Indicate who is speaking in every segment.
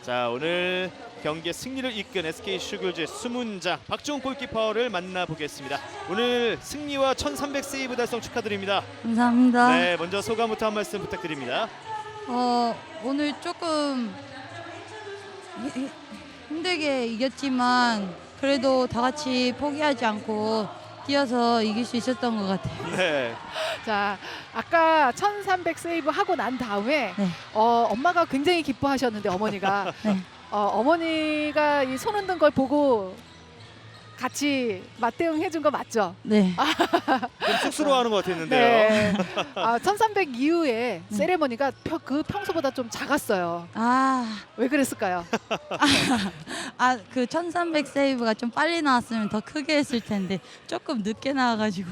Speaker 1: 자, 오늘 경기의 승리를 이끈 SK 슈글즈의 수문장 박주홍 골키퍼를 만나보겠습니다. 오늘 승리와 1300 세이브 달성 축하드립니다.
Speaker 2: 감사합니다.
Speaker 1: 네, 먼저 소감부터 한 말씀 부탁드립니다.
Speaker 2: 오늘 조금 힘들게 이겼지만 그래도 다 같이 포기하지 않고 뛰어서 이길 수 있었던 것 같아요.
Speaker 1: 네,
Speaker 3: 자, 아까 1300 세이브 하고 난 다음에
Speaker 2: 네.
Speaker 3: 엄마가 굉장히 기뻐하셨는데 어머니가
Speaker 2: 네.
Speaker 3: 어머니가 이 손 흔든 걸 보고 같이 맞대응 해준 거 맞죠?
Speaker 2: 네.
Speaker 1: 좀 쑥스러워하는 것 같았는데요.
Speaker 3: 네. 1300 이후에 세레머니가 평소보다 좀 작았어요. 왜 그랬을까요?
Speaker 2: 그 1300 세이브가 좀 빨리 나왔으면 더 크게 했을 텐데 조금 늦게 나와가지고.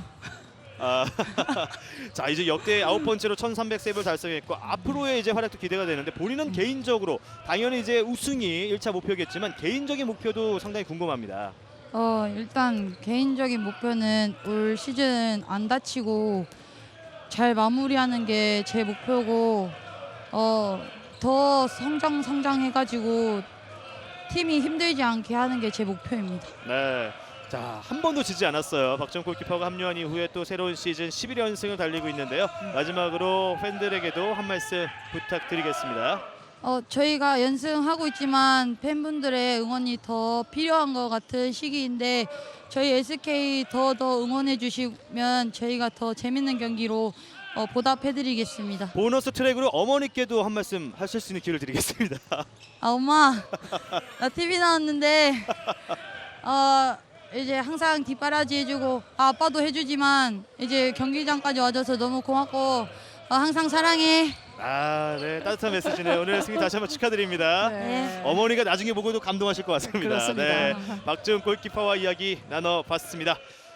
Speaker 1: 자, 이제 역대 9번째로 1300 세이브를 달성했고 앞으로의 이제 활약도 기대가 되는데 본인은 개인적으로 당연히 이제 우승이 1차 목표겠지만 개인적인 목표도 상당히 궁금합니다.
Speaker 2: 일단 개인적인 목표는 올 시즌 안 다치고 잘 마무리하는 게 제 목표고 더 성장해가지고 팀이 힘들지 않게 하는 게 제 목표입니다.
Speaker 1: 네. 자, 한 번도 지지 않았어요. 박주홍 골키퍼가 합류한 이후에 또 새로운 시즌 11연승을 달리고 있는데요. 마지막으로 팬들에게도 한 말씀 부탁드리겠습니다.
Speaker 2: 저희가 연승하고 있지만 팬분들의 응원이 더 필요한 것 같은 시기인데 저희 SK 더 응원해 주시면 저희가 더 재밌는 경기로 보답해드리겠습니다.
Speaker 1: 보너스 트랙으로 어머니께도 한 말씀 하실 수 있는 기회를 드리겠습니다.
Speaker 2: 엄마, 나 TV 나왔는데 이제 항상 뒷바라지 해주고 아빠도 해주지만 이제 경기장까지 와줘서 너무 고맙고 항상 사랑해.
Speaker 1: 네, 따뜻한 메시지네요. 오늘 승리 다시 한번 축하드립니다.
Speaker 2: 네.
Speaker 1: 어머니가 나중에 보고도 감동하실 것 같습니다.
Speaker 3: 그렇습니다.
Speaker 1: 네, 박주홍 골키퍼와 이야기 나눠봤습니다.